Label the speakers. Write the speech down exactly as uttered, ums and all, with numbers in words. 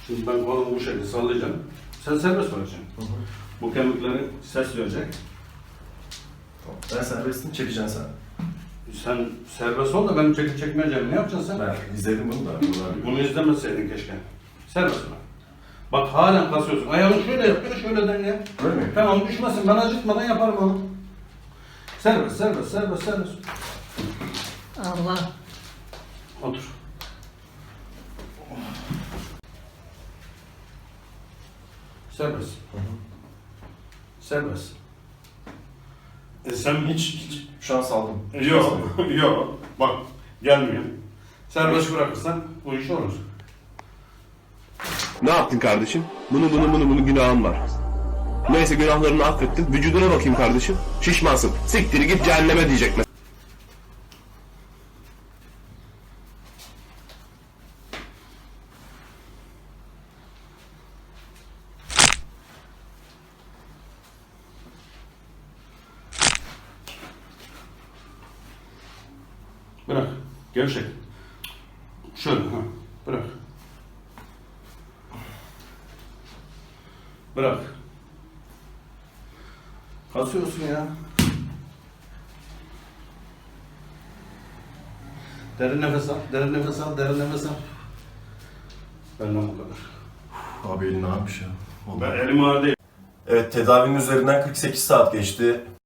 Speaker 1: Şimdi ben kolumu bu şekilde sallayacağım. Sen serbest bırakacaksın.
Speaker 2: Hı hı.
Speaker 1: Bu kemikleri ses verecek.
Speaker 2: Tamam. Ben serbestim, çekeceksin sen.
Speaker 1: Sen serbest ol da benim çekip çekmeyeceğim. Ne yapacaksın sen?
Speaker 2: Ben izledim bunu da. Bunlar
Speaker 1: Bunu izlemeseydin keşke. Serbest bırak. Bak halen kasıyorsun. Ayağını şöyle yap, ya şöyle denge.
Speaker 2: Öyle mi?
Speaker 1: Tamam düşmesin. Ben acıtmadan yaparım onu. Serbest, serbest, serbest, serbest.
Speaker 3: Allah.
Speaker 1: Otur. Serbest.
Speaker 2: Hı hı.
Speaker 1: Serbest. E sen
Speaker 2: Hiç, hiç şu an saldım.
Speaker 1: Yok, yok. Bak, gelmiyor. Serbest bırakırsan bu iş olur.
Speaker 4: Ne yaptın kardeşim? Bunu bunu bunu bunu günahın var. Neyse günahlarını affettin. Vücuduna bakayım kardeşim. Şişmansın. Siktir git cehenneme diyecek mesela.
Speaker 1: Bırak. Gevşek. Şöyle ha. Bırak. Bırak. Kasıyorsun ya. Derin nefes al, derin nefes al, derin nefes al. Benden bu kadar.
Speaker 2: Abi elin ağırmış ya.
Speaker 1: Ben elim ağır değil.
Speaker 2: Evet, tedavinin üzerinden kırk sekiz saat geçti.